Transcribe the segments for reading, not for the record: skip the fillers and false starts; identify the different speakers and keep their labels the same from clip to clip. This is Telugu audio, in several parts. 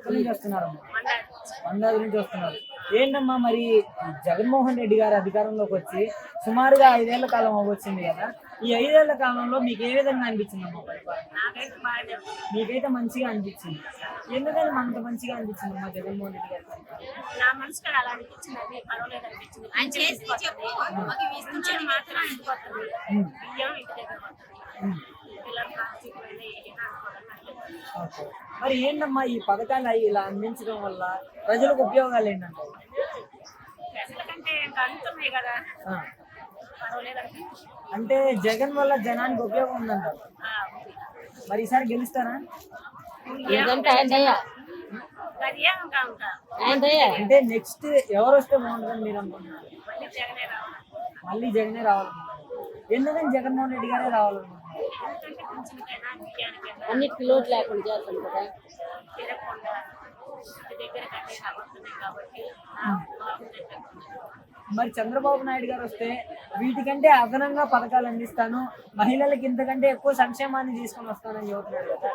Speaker 1: ఎక్కడి నుంచి వస్తున్నారమ్మా? మందాది నుంచి వస్తున్నారు. ఏంటమ్మా మరి జగన్మోహన్ రెడ్డి గారు అధికారంలోకి వచ్చి సుమారుగా 5 ఏళ్ల కాలం అవ్వచ్చింది కదా. ఈ 5 ఏళ్ల కాలంలో మీకు ఏ విధంగా అనిపించిందమ్మా పరిపాలన? మీకైతే మంచిగా అనిపించింది. ఎందుకని అంత మంచిగా అనిపించిందమ్మా జగన్మోహన్ రెడ్డి గారి పరిపాలన?
Speaker 2: నా మనసుకి అలా అనిపించింది, అది పర్వాలేదు అనిపించింది. ఆయన చేసి చెప్పు ఇస్తుంటే మాత్రం అయిపోతుంది. బియ్యం ఇంటి దగ్గర పిల్లలు ప్లాస్టిక్
Speaker 1: ఓకే. మరి ఏంటమ్మా ఈ పథకాలు ఇలా అందించడం వల్ల ప్రజలకు ఉపయోగాలు ఏంటంటే?
Speaker 2: ప్రజలకంటే ఇంకా అందుతున్నాయి కదా,
Speaker 1: ఆ,
Speaker 2: పర్వాలేదు అనిపించింది.
Speaker 1: అంటే జగన్ వల్ల జనానికి ఉపయోగం ఉందంటారు. మరి ఈసారి గెలుస్తారా?
Speaker 2: అది ఏం ఇంకా ఉంటా
Speaker 1: అంటే నెక్స్ట్ ఎవరు వస్తే బాగుంటుందని మీరు అనుకుంటున్నారు?
Speaker 2: మళ్ళీ జగనే రావాలి.
Speaker 1: మళ్ళీ జగనే రావాలనుకుంటున్నారు. ఎందుకని జగన్మోహన్ రెడ్డి గారే రావాలనుకుంటున్నారు?
Speaker 2: ఎందుకంటే కొంచెంకైనా బియ్యానికైనా
Speaker 3: అన్నిటికీ లోటు లేకుండా చేస్తాం కదా.
Speaker 2: తిరగకుండా ఇంటి దగ్గర కన్నీ అవుతున్నాయి కాబట్టి బాగుంది.
Speaker 1: మరి చంద్రబాబు నాయుడు గారు వస్తే వీటికంటే అదనంగా పథకాలు అందిస్తాను, మహిళలకి ఇంతకంటే ఎక్కువ సంక్షేమాన్ని తీసుకొని వస్తానని చెబుతున్నాడు కదా.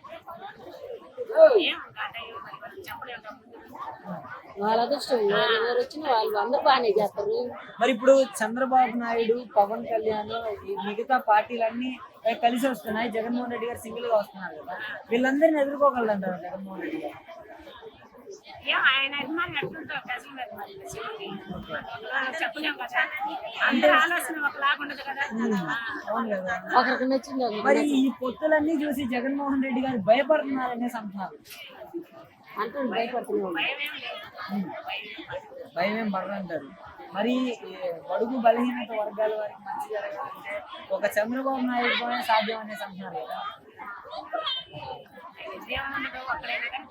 Speaker 2: ఏం అంటే మరి చెప్పలేము కదా.
Speaker 3: వాళ్ళ అదృష్టం, ఎవరు వచ్చినా వాళ్ళు అందరూ బాగానే చేస్తారు.
Speaker 1: మరి ఇప్పుడు చంద్రబాబు నాయుడు, పవన్ కళ్యాణ్, ఈ మిగతా పార్టీలన్నీ కలిసి వస్తున్నాయి, జగన్మోహన్ రెడ్డి గారు సింగిల్ గా వస్తున్నారు కదా. వీళ్ళందరినీ ఎదుర్కోగలరంటారు జగన్మోహన్ రెడ్డి గారు?
Speaker 2: ఏం ఆయన అభిమానులు ఎట్లుంటారు ప్రజల అభిమానులు చెప్పలేము కదా. అందరి ఆలోచన ఒకలాగా ఉండదు కదా.
Speaker 1: అవును కదా.
Speaker 3: ఒకరికి నచ్చింది
Speaker 1: మరి ఈ పొత్తులన్నీ చూసి జగన్మోహన్ రెడ్డి గారు భయపడుతున్నారనేసి అంటున్నారు.
Speaker 3: అంటే భయపడుతున్నాం.
Speaker 2: భయం ఏం లేదు.
Speaker 1: భయం ఏం పడరంటారు. మరి ఈ బడుగు బలహీనత వర్గాల వారికి మంచి జరగాలంటే ఒక చంద్రబాబు నాయుడుతోనే సాధ్యం అనేసి అంటున్నారు కదా.
Speaker 2: దేవుడు అక్కడైనా కానీ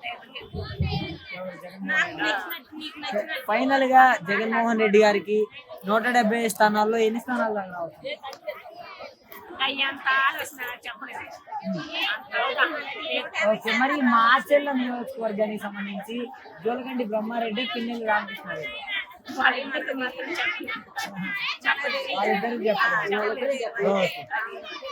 Speaker 1: ఫైనల్ గా జగన్మోహన్ రెడ్డి గారికి 170 స్థానాల్లో ఎన్ని స్థానాలు రావచ్చు?
Speaker 2: అయ్యంత ఆలోచన చెప్పలేదు.
Speaker 1: ఓకే. మరి మాచెల్ల నియోజకవర్గానికి సంబంధించి జోలకంటి బ్రహ్మారెడ్డి, పిన్నెల్లి రామకృష్ణారెడ్డి
Speaker 2: వాళ్ళిద్దరికి మాత్రం చెప్పలేదు.
Speaker 1: వాళ్ళిద్దరికి చెప్పలేదు. ఓకే.